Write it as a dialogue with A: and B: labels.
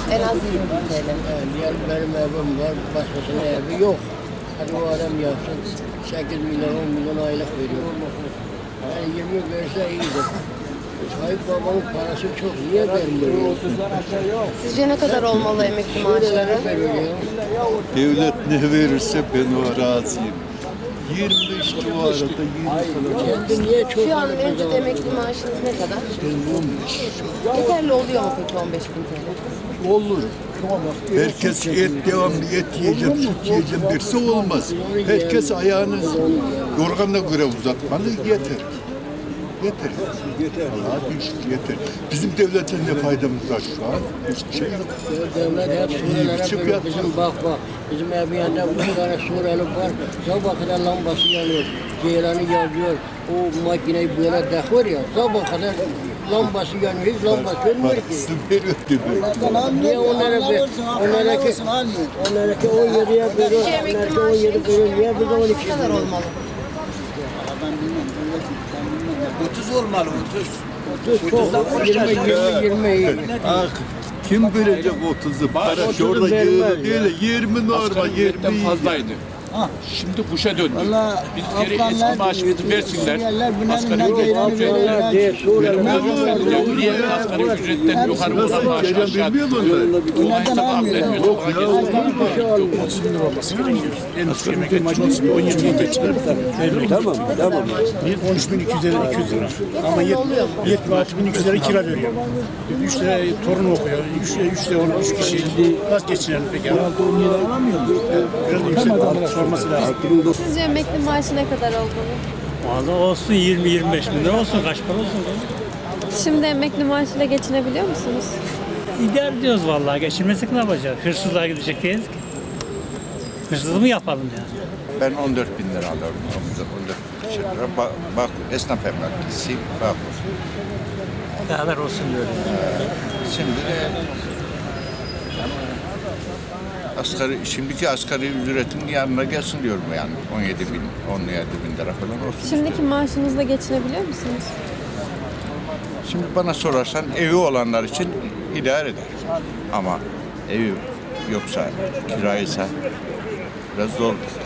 A: En az 20 bin TL.
B: Yani benim evim var, başkasının evi yok. Hadi o adam yapsın, 8 milyon, 10 milyon aylık veriyor. Yani 20 verse iyidir. Sahip babanın parası çok, niye vermiyor?
A: Sizce ne kadar olmalı emekli maaşları?
C: Devlet ne verirse ben o razıyım. 25 civarında 20 falan.
B: Kendi niye çok
A: Şu an mevcut emekli maaşınız ne kadar?
C: Ben 15.
A: Yeterli oluyor mu peki 15 bin TL?
C: Olur. Herkes et devamlı et yiyeceğim, süt yiyeceğim derse olmaz. Herkes ayağını yorganına göre uzatmalı yeter. Yeter. Allah'a düşük yeter. Bizim devletin ne faydamız var şu an? Hiçbir şey yok.
B: Devlet hep Suriyelere böyle bizim bak, bizim evin yanında 3 tane Suriyeli var. Sabah kadar lambası yanıyor, ceylanı yazıyor. O makineyi böyle takıyor ya, sabah kadar lambası yanıyor, hiç lambası yanmıyor ki.
C: Parasını veriyor demek.
B: Niye onlaraki 17'ye veriyor,
A: Sizce emekli
B: onlaraki
A: maaşı
B: 17 veriyor, niye bize 12
A: ne kadar olmalı?
D: Ben bilmem. 30 olmalı 30.
B: Çok 20.
C: Ah, kim verecek 30'u? Para şurada yığılı değil, 20 normal, 20
E: fazlaydı. Şimdi kuşa döndü.
D: Valla
E: Biz geri eski maaşımızı versinler. Asgari ücret asgari ücretten yukarı olan maaşı aşağı. O hesap affediyor.
C: Yok ya.
F: 30 bin lira olması gerekiyor. En düşük emekli maaşı 30 bin, 17 bin lira çıkar. Tamam. 13 bin 200 lira. Ama 76 bin 200 lira kira veriyor. 3 lira torun okuyor. 3 lira 3 kişi. Nasıl geçinelim peki? Biraz yüksek sorması lazım.
G: Sizce emekli maaşı ne kadar olmalı?
F: Valla olsun 20-25 bin lira olsun. Kaç para olsun?
G: Şimdi emekli maaşıyla geçinebiliyor musunuz?
F: İdare ediyoruz vallahi. Geçirmesek ne yapacağız? Hırsızlığa gidecek değiliz ki. Hırsızlığı mı yapalım yani?
H: Ben 14 bin lira alıyorum. 14 bin lira. Bak esnaf emeklisiyim. Bak.
F: Ne kadar olsun diyorum.
H: Şimdi de şimdiki asgari ücretin yanına gelsin diyorum yani. 17 bin, 17 bin lira falan olsun.
G: Şimdiki maaşınızla geçinebiliyor musunuz?
H: Şimdi bana sorarsan evi olanlar için idare eder. Ama evi yoksa, kiraysa biraz zor.